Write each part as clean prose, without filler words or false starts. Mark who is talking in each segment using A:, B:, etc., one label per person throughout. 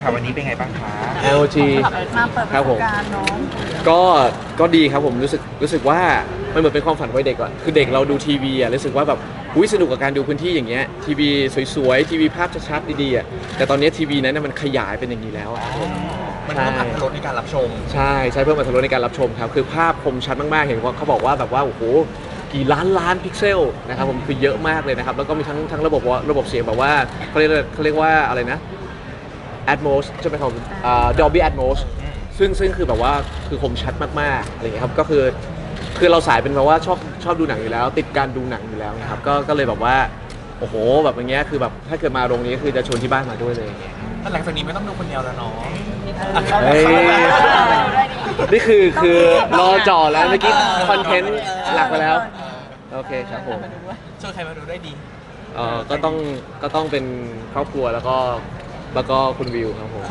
A: ค่ะวันนี้เป็นไงบ้างคะ
B: LG
C: มาเปิดประสบการณ์เนาะ
B: ก็ดีครับผมรู้สึกว่ามันเหมือนเป็นความฝันวัยเด็กก่อนคือเด็กเราดูทีวีอ่ะรู้สึกว่าแบบอุ้ยสนุกกับการดูพื้นที่อย่างเงี้ยทีวีสวยๆทีวีภาพชัดๆดีๆอ่ะแต่ตอนนี้ทีวีนั้นมันขยายเป็นอย่างนี้แล้วอ่ะ
A: มันเพิ่มอรรถรสในการรับชม
B: ใช่เพิ่มอรรถรสในการรับชมครับคือภาพคมชัดมากๆเห็นว่าเขาบอกว่าแบบว่าโอ้โหกี่ล้านพิกเซลนะครับผมคือเยอะมากเลยนะครับแล้วก็มีทั้งระบบเสียงแบบว่าเขาเรียกว่าอะไรนะ Atmos ใช่ไหมครับDolby Atmos ซึ่งคือแบบว่าคือคมชัดมากๆอะไรอย่างเงี้ยครับก็คือเราสายเป็นแบบว่าชอบดูหนังอยู่แล้วติดการดูหนังอยู่แล้วนะครับก็เลยแบบว่าโอ้โหแบบอย่างเงี้ยคือแบบถ้าเกิดมาโรงนี้คือจะชวนที่บ้านมาด้วยเลยอย่างเงี้ย
A: หลังจากนี้ไม่ต้องดูคนเดียวแล้วเนาะ
B: เฮ้ยนี่คือรอจ่อแล้วเมื่อกี้คอนเทนต์หลักไปแล้วโอเคครับผม
A: ชวนใครมาดูได้ดี
B: ก็ต้องเป็นครอบครัวแล้วก็คุณวิวครับผม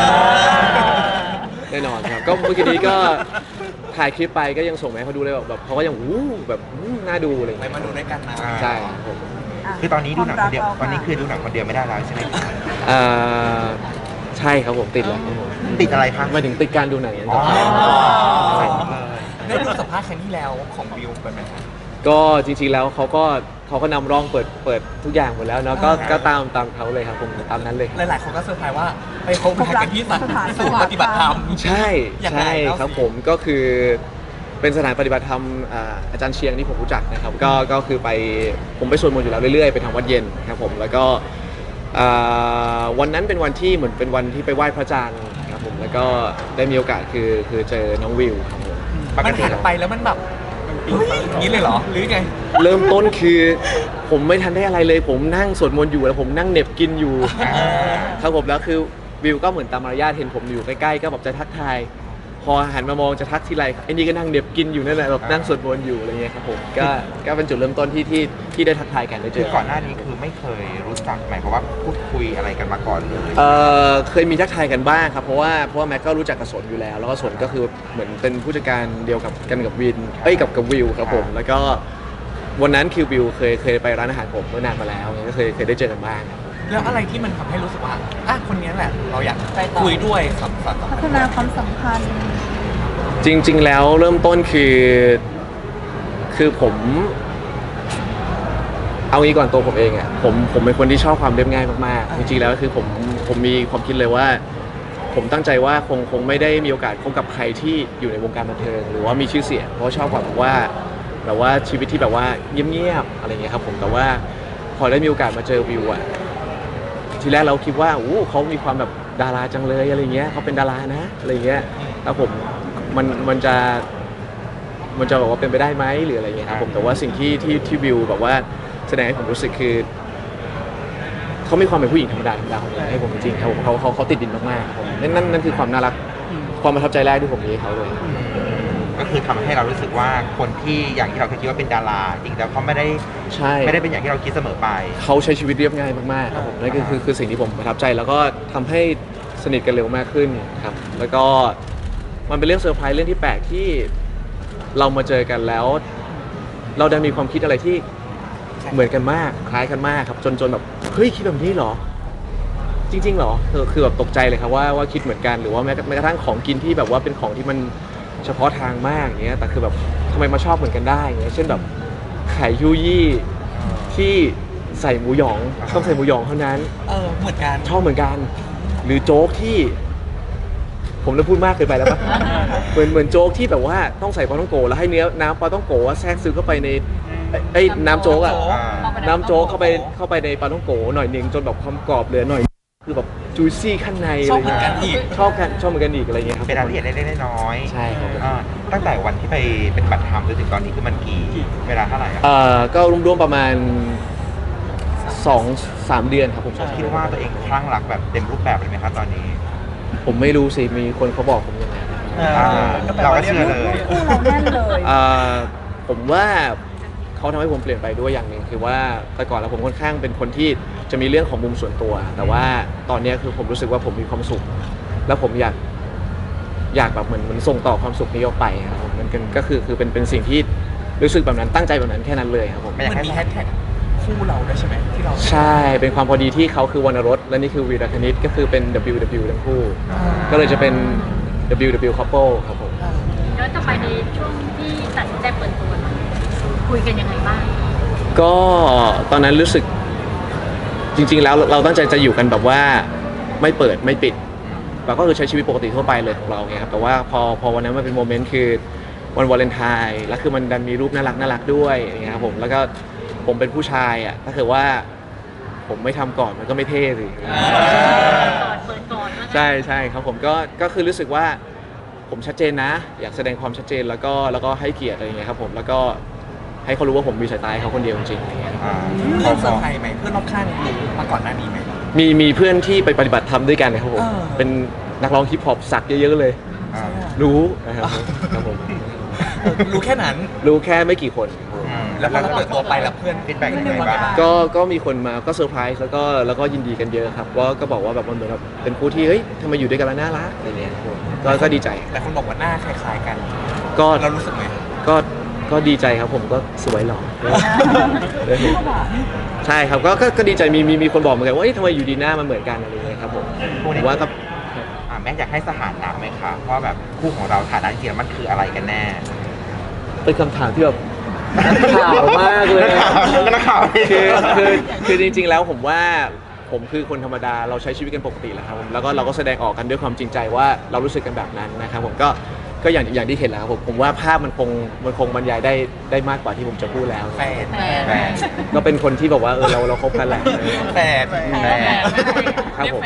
B: แน่นอนครับก็เมื่อกี้นี้ก็ถ่ายคลิปไปก็ยังส่งมาให้เขาดูเลยแบบเขาก็ยังแบบน่าดูอะไรอย่าง
A: ไป
B: เงี้ย
A: มาดูด้วยกันนะ
B: ใช่ครับผม
D: คือตอนนี้ดูหนังคนเดียวตอนนี้คือดูหนังคนเดียวไม่ได้แล้วใช่ไหมครับ
B: เอ่อใช่ครับผมติดแล้วครับผม
D: ติดอะไรคะ
B: หมายถึงติดการดูหนังอย่าง
D: อ๋อ
B: ใช่
A: ได้ดูสัมภาษณ์ครั้งที่แล้วของวิวไปไหมครับ
B: ก็จริงๆแล้วเขาก็นำร่องเปิดทุกอย่างหมดแล้วเนาะก็ตามเขาเลยครับผมตามนั้นเลยครับ
A: หลายๆคนก็เซอร์ไพรส์ว่าไปพบกันที่สถานศูนย์ปฏิบัติธรรม
B: ใช่
A: อย่างไร
B: ใช่
A: เล่าสิ
B: ครับผมก็คือเป็นสถานปฏิบัติธรรมอาจารย์เชียงที่ผมรู้จักนะครับก็คือผมไปสวดมนต์อยู่แล้วเรื่อยๆไปทางวัดเย็นครับผมแล้วก็วันนั้นเป็นวันที่เหมือนเป็นวันที่ไปไหว้พระอาจารย์ครับผมแล้วก็ได้มีโอกาสคือเจอน้องวิวครับผม
A: มันหันไปแล้วมันแบบอย่างนี้เลยเหรอหรือไง
B: เริ่มต้นคือผมไม่ทันได้อะไรเลย ผมนั่งสวดมนต์อยู่แล้วผมนั่งเหน็บกินอยู่ครับผมแล้วคือวิวก็เหมือนตามมารยาทเห็นผมอยู่ใกล้ๆก็แบบจะทักทายพอหันมามองจะทักทีไรไอ้นี่ก็นั่งเหน็บกินอยู่นั่นแหละแบบนั่งสวดมนต์อยู่อะไรเงี้ยครับผมก็เป็นจุดเริ่มต้นที่ได้ทักทายกันได้เจ
D: คือ
B: อ
D: ก่อนหน้านี้คือไม่เคยรู้จักหมายความว่าพูดคุยอะไรกันมาก่อนเลย
B: เคยมีทักทายกันบ้างครับเพราะว่าแม็กก็รู้จักกับสนอยู่แล้วแล้วก็สนก็คือเหมือนเป็นผู้จัดการเดียวกับวินกับวิวครับผมแล้วก็วันนั้นคิววิวเคยไปร้านอาหารผมเมื่อนานมาแล้วก็เคยได้เจอกันบ้าง
A: แล้วอะไรที่มันทำให้รู้สึกว่าคนนี้แหละเราอยากคุยด้วยสัมผัส
C: พัฒนาความสัมพันธ์
B: จริงๆแล้วเริ่มต้นคือผมเอางี้ก่อนตัวผมเองอ่ะผมเป็นคนที่ชอบความเรียบง่ายมากๆจริงๆแล้วคือผมมีความคิดเลยว่าผมตั้งใจว่าคงไม่ได้มีโอกาสพบกับใครที่อยู่ในวงการบันเทิงหรือว่ามีชื่อเสียงเพราะชอบแบบว่าชีวิตที่แบบว่าเงียบๆอะไรเงี้ยครับผมแต่ว่าพอได้มีโอกาสมาเจอวิวอ่ะทีแรกเราคิดว่าเขามีความแบบดาราจังเลยอะไรเงี้ยเขาเป็นดารานะอะไรเงี้ยแล้วมันจะบอกว่าเป็นไปได้ไหมหรืออะไรเงี้ยครับผมแต่ว่าสิ่งที่วิวแบบว่าแสดงให้ผมรู้สึกคือเขามีความเป็นผู้หญิงธรรมดาของผมให้ผมจริงๆครับผมเขาติดดินมากๆครับผมนั่นคือความน่ารักความประทับใจแรกที่ผมมีให้เขาเลย
D: ก็คือทำให้เรารู้สึกว่าคนที่อย่างที่เราเคยคิดว่าเป็นดาราจริงแล้วเขาไม่ได้
B: ใช่
D: เป็นอย่างที่เราคิดเสมอไป
B: เขาใช้ชีวิตเรียบง่ายมากๆครับผมนั่นคือสิ่งที่ผมประทับใจแล้วก็ทำให้สนิทกันเร็วมากขึ้นครับแล้วก็มันเป็นเรื่องเซอร์ไพรส์เรื่องที่แปลกที่เรามาเจอกันแล้ว เราได้มีความคิดอะไรที่เหมือนกันมากคล้ายกันมากครับจนแบบเฮ้ยคิดแบบนี้เหรอจริงๆเหรอคือแบบตกใจเลยครับว่าคิดเหมือนกันหรือว่าแม้กระทั่งของกินที่แบบว่าเป็นของที่มันเฉพาะทางมากอย่างเงี้ยแต่คือแบบทำไมมาชอบเหมือนกันได้อย่างเงี้ยเช่นแบบไข่ยูยี่ที่ใส่หมูหยองต้องใส่หมูหยองเท่านั้น
A: เหมือนกัน
B: ชอบเหมือนกันหรือโจ๊กที่ผมจะพูดมากเกินไปแล้วปะ เหมือนโจ๊กที่แบบว่าต้องใส่ปลาท่องโกแล้วให้น้ำปลาท่องโกแทรกซึมเข้าไปในน้ำโจ๊กอ่ะน้ำโจ๊กเข้าไปในปลาท่องโกหน่อยหนึ่งจนแบบความกรอบเหลือหน่อยคือแบบจูซี่ข้างใน
A: ช
B: อะ
A: อบ
B: ไร
A: เหมือน
B: เงี้
A: กัน
B: ย
A: อีก
B: ชอบเหมือนกันอีกอะไรเงี้ยครับ
D: เป็นรายละเอียดเล็กๆน้อยๆ
B: ใช่ครับ
D: ตั้งแต่วันที่ไปเป็นบัตรธรรมจนถึงตอนนี้คือมันเวลาเท่าไหร่อะ
B: ก็รวมๆประมาณ 2-3 เดือนครับผม
D: คิดว่าตัวเองคลั่งรักแบบเต็มรูปแบบเลยไหมครับตอนนี้
B: ผมไม่รู้สิมีคนเขาบอกผมอย่างนั้น
D: เราก็เชื่อเลย
C: คู่เราแน่นเลย
B: ผมว่าเขาทำให้ผมเปลี่ยนไปด้วยอย่างหนึ่งคือว่าแต่ก่อนแล้วผมค่อนข้างเป็นคนที่จะมีเรื่องของมุมส่วนตัว แต่ว่าตอนนี้คือผมรู้สึกว่าผมมีความสุข แล้วผมอยากแบบเหมือนส่งต่อความสุขนี้ออกไปครับผมมันก็คือเป็นสิ่งที่รู้สึกแบบนั้นตั้งใจแบบนั้นแค่นั้นเลยครับผม
A: มันมีแฮชแท็กคู่คู่เราด้วยใช่ไหมที่เรา
B: ใช่เป็นความพอดีที่เขาคือวรรณรสและนี่คือวีรคณิตก็คือเป็น WW ทั้งคู่ ก็เลยจะเป็น WW couple ครับผม
E: ย้อนกลับไปในช่วงที่ตัดสินใจเปิดตัวคุยกันยังไงบ้าง
B: ก็ตอนนั้นรู้สึกจริงๆแล้วเราตั้งใจจะอยู่กันแบบว่าไม่เปิดไม่ปิดเราก็คือใช้ชีวิตปกติทั่วไปเลยของเราไงครับแต่ว่าพอวันนั้นมันเป็นโมเมนต์คือวันวาเลนไทน์แล้วคือมันดันมีรูปน่ารักด้วยอย่างเงี้ยครับผมแล้วก็ผมเป็นผู้ชายอ่ะถ้าเกิดว่าผมไม่ทำก่อนมันก็ไม่เท่สิ
E: เปิดก่อนว่างั้น
B: ใช่ครับผมก็คือรู้สึกว่าผมชัดเจนนะ อยากแสดงความชัดเจนแล้วก็ให้เกียรติอะไรอย่างเงี้ยครับผมแล้วก็ให้เขารู้ว่าผมมีสายตาให้เขาคนเดียวจริงๆอะไรเงี้ย
A: เพื่อนเซอร์ไพรส์ไหมเพื่อนรอบข้างรู้มาก่อนหน้านี้ไหม
B: มีเพื่อนที่ไปปฏิบัติธรรมด้วยกันนะครับผม เป็นนักร้องฮิปฮอปสักเยอะๆเลย
D: อ่า
B: รู้นะครับครับผม
A: รู้แค่นั้น
B: รู้แค่ไม่กี่คนครับผม
A: แล้วพอเราเปิดตัวไปแล้วเพื่อน
D: ฟีดแบ็กยังไงบ้าง
B: ก็มีคนมาก็เซอร์ไพรส์แล้วก็ยินดีกันเยอะครับก็บอกว่าแบบมันเหมือนแบบเป็นคู่ที่เฮ้ยทำไมอยู่ด้วยกันแล้วน่ารักอะไรเงี้ยครับผมก็ดีใจ
A: แต่คนบอกว่าหน้าคล้ายๆกัน
B: ก็
A: เรารู้สึกไหม
B: ก็ดีใจครับผมก็สวยหล่อใช่ครับก็ดีใจมีคนบอกเหมือนกันว่าเฮ้ยทำไมอยู่ดีหน้ามันเหมือนกันอะไรเงี้ยครับผมผมว่าก็
D: แม่อยากให้สถานะไหมคะว่าแบบคู่ของเราฐานะจริงๆแล้วมันคืออะไรกันแน่
B: เป็นคำถามที่แบบข่าวมากเลย
D: นักข่าว
B: คือจริงๆแล้วผมว่าผมคือคนธรรมดาเราใช้ชีวิตกันปกติแหละครับผมแล้วก็เราก็แสดงออกกันด้วยความจริงใจว่าเรารู้สึกกันแบบนั้นนะครับผมก็อย่างที่เห็นแล้วครับผมว่าภาพมันคงบรรยายได้มากกว่าที่ผมจะพูดแล้ว
A: แฟน
D: แฟน
B: ก็เป็นคนที่แบบว่าเราคบกันแหละ
A: แฟน
D: แฟน
B: ครับผม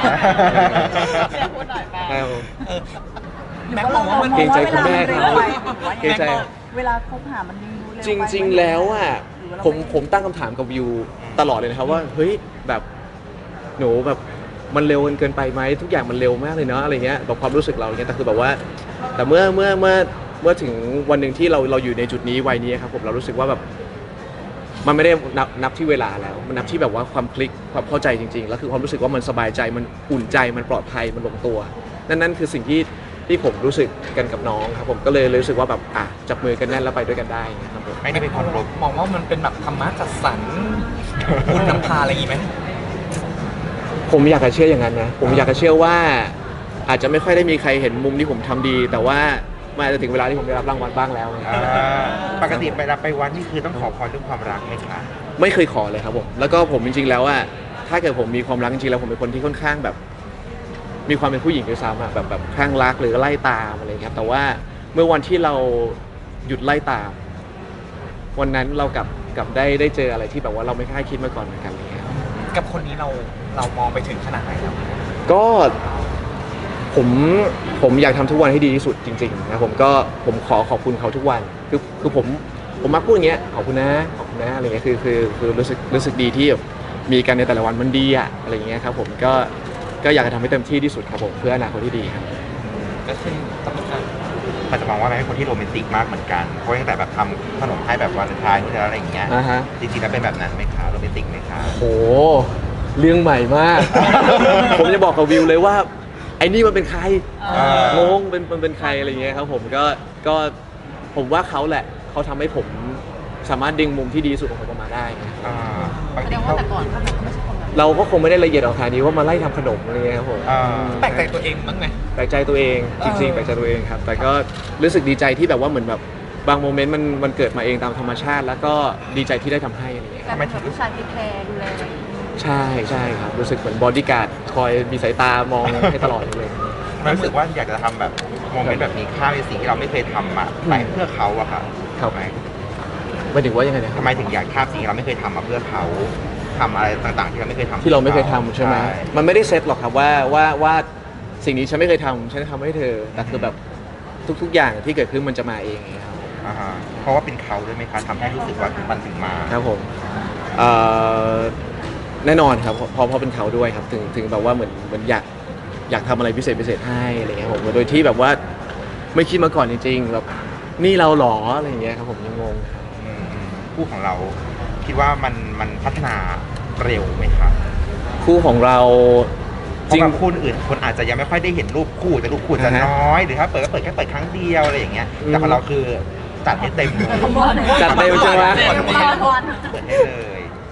C: พูดหน่อยแฟน
B: ครับผม
A: แม็กบอกว่ามัน
B: เกรงใจคุณแม่เขาเกรงใจ
C: เวลาคบหามันดูเร็ว
B: จริงๆ แล้วอ่ะผมตั้งคำถามกับวิวตลอดเลยนะครับว่าเฮ้ยแบบหนูแบบมันเร็วเกินไปไหมทุกอย่างมันเร็วมากเลยเนาะอะไรเงี้ยแบบความรู้สึกเราเงี้ยแต่คือแบบว่าแต่เมื่อถึงวันหนึ่งที่เราอยู่ในจุดนี้วัยนี้ครับผมเรารู้สึกว่าแบบมันไม่ได้นับที่เวลาแล้วมันนับที่แบบว่าความคลิกความเข้าใจจริงๆแล้วคือความรู้สึกว่ามันสบายใจมันอุ่นใจมันปลอดภัยมันลงตัวนั่นคือสิ่งที่ผมรู้สึกกันกับน้องครับผมก็เลยรู้สึกว่าแบบจับมือกันแน่นแล้วไปด้วยกันได้ครับผม
D: ไม่ได้เป็นคนลบ
A: มองว่ามันเป็นแบบธรรมะจัดสรรคุณนำพาอะไรอย่างงี้ไหม
B: ผมอยากจะเชื่ออย่างนั้นนะผมอยากจะเชื่อว่าอาจจะไม่ค่อยได้มีใครเห็นมุมที่ผมทำดี แต่ว่ามันอาจจะถึงเวลาที่ผมได้รับรางวัลบ้างแล้ว
D: ปกติไปวัดนี่คือต้องขอพรเรื่องความรักไหมคะ
B: ไม่เคยขอเลยครับผมแล้วก็ผมจริงๆแล้วว่าถ้าเกิดผมมีความรักจริงๆแล้วผมเป็นคนที่ค่อนข้างแบบ มีความเป็นผู้หญิงด้วยซ้ำแบบคลั่งรักหรือไล่ตามอะไรครับแต่ว่าเมื่อวันที่เราหยุดไล่ตาม วันนั้นเรากลับได้เจออะไรที่แบบว่าเราไม่คาดคิดมาก่อนเหมือนกันอะไรเงี้ย
A: กับคนนี้เรามองไปถึงขนาดไหนแล้ว
B: ก็ผมอยากทำทุกวันให้ดีที่สุดจริงๆนะผมขอบคุณเขาทุกวันคือผมมักพูดอย่างเงี้ยขอบคุณนะอะไรเงี้ยคือรู้สึกดีที่แบบมีกันในแต่ละวันมันดีอะอะไรเงี้ยครับผมก็อยากจะทำให้เต็มที่ที่สุดครับผมเพื่ออนาคตที่ดีครับ
A: ก็คือต้องการ
D: มันจะมองว่าแม่เป็นคนที่โรแมนติกมากเหมือนกันเพราะตั้งแต่แบบทำขนมให้แบบวาเลนไทน์นู่นนี่อะไรอย่างเงี้ย
B: ฮะ
D: จริงๆแล้วเป็นแบบนั้นไหมคะโรแมนติกไหมคะ
B: โหเรื่องใหม่มาก ผมจะบอกกับวิวเลยว่าไอ้นี่มันเป็นใครงงมันเป็นใครอะไรเงี้ยครับผมก็ผมว่าเขาแหละเขาทำให้ผมสามารถดึงมุมที่ดีที่สุดของผมออกมาได้
D: ปก
C: แสด
D: ติ
C: งว่า
D: เขา
C: แต่ก่อนก็แบบไม่ใช่คนแบบ
B: เราก็คงไม่ได้ละเอียดออกขนาดนี้ว่ามาไล่ทำขนมอะไรเงี้ยครับผม
A: แปลกใจตัวเองบ้างไหม
B: แปลกใจตัวเองจริงๆแปลกใจตัวเองครับแต่ก็รู้สึกดีใจที่แบบว่าเหมือนแบบบางโมเมนต์มันเกิดมาเองตามธรรมชาติ แล้วก็ดีใจที่ได้ทำให้อะไรเงี้ย
C: การเป็นแบบผู้ชายที่แคร์ดูแล
B: ใช่ครับรู้สึกเหมือนบอดี้การ์ดคอยมีสายตามองให้ตลอดเลย
D: มันรู้สึกว่าอยากจะทำแบบโมเมนต์แบบนี้ข้ามในสิ่งที่เราไม่เคยทำมาไปเพื่อเขาอะค่ะ
B: ครับ
D: ทำไม
B: หมายถึงว่ายังไงนะค
D: ทำ
B: รับ
D: ไมถึงอยากข้ามสิ่งที่เราไม่เคยทำมาเพื่อเขาทำอะไรต่างๆ ที่เราไม่เคยทำ
B: ที่เราไม่เคยทำใช่ไหมมันไม่ได้เซตหรอกครับว่าสิ่งนี้ฉันไม่เคยทำฉันทำให้เธอแต่คือแบบทุกๆอย่างที่เกิดขึ้นมันจะมาเองไงครับ
D: อ่าฮะเพราะว่าเป็นเขาด้วยไหมคะทำให้รู้สึกว่ามันถึงมา
B: ครับผมเอ่อแน่นอนครับเพราะเป็นเขาด้วยครับถึงแบบว่าเหมือนอยากทำอะไรพิเศษให้อะไรเงี้ยผมโดยที่แบบว่าไม่คิดมาก่อนจริงๆแบบนี่เราหรออะไรเงี้ยครับผมยังงง
D: คู่ของเราคิดว่ามันพัฒนาเร็วไหมคะ
B: คู่ของเรา
D: เพราะบางคู่อื่นคนอาจจะยังไม่ค่อยได้เห็นรูปคู่แต่รูปคู่จะน้อยหรือถ้าเปิดก็เปิดแค่เปิดครั้งเดียวอะไรอย่างเงี้ยแต่ของเราคือจัดให้เต็มเลย
B: จัดเต็มใช่ไหม
D: เปิดให้เลย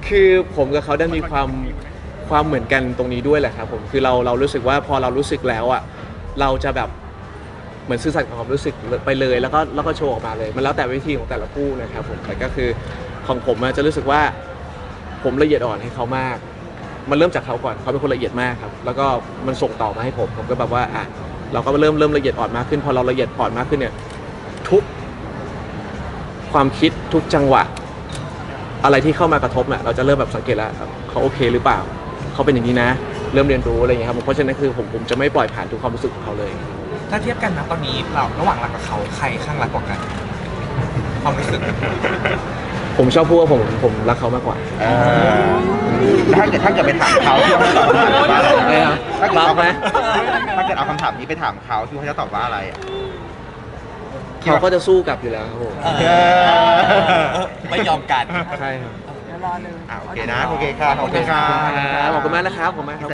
B: คือผมกับเขาได้มีความเหมือนกันตรงนี้ด้วยแหละครับผมคือเรารู้สึกว่าพอเรารู้สึกแล้วอ่ะเราจะแบบเหมือนสื่อสารความรู้สึกไปเลยแล้วก็โชว์ออกมาเลยมันแล้วแต่วิธีของแต่ละคู่นะครับผมแต่ก็คือของผมจะรู้สึกว่าผมละเอียดอ่อนให้เขามาก มันเริ่มจากเขาก่อนเขาเป็นคนละเอียดมากครับแล้วก็มันส่งต่อมาให้ผมก็แบบว่าอ่ะเราก็เริ่มละเอียดอ่อนมากขึ้นพอเราละเอียดอ่อนมากขึ้นเนี่ยทุกความคิดทุกจังหวะอะไรที่เข้ามากระทบเนี่ยเราจะเริ่มแบบสังเกตแล้วเขาโอเคหรือเปล่าเขาเป็นอย่างนี้นะเริ่มเรียนรู้อะไรอย่างเงี้ยครับเพราะฉะนั้นคือผมจะไม่ปล่อยผ่านทุกความรู้สึกของเขาเลย
A: ถ้าเทียบกันนะตอนนี้เราระหว่างรักกับเขาใครข้างรักกว่ากันความรู้สึก
B: ผมชอบพูดว่าผมรักเขามากกว่า
D: ถ้าเกิดไปถามเขาที่เขาจะตอบว่าอะไร
B: ไม่ครับ
D: ถ้าเกิด
B: รับไหม
D: ถ้าเกิดเอาคำถามนี้ไปถามเขาที่เขาจะตอบว่าอะไรอะ
B: เขาก็จะสู้กลับอยู่แล้วครับผม
A: ไม่ยอมกัน
B: ใช่ครับ
C: เดี๋ยวรอเลย
D: โอเคนะโอเคค่ะขอบคุณค่ะ
B: ขอบคุณมากนะครับขอบคุณมากครับ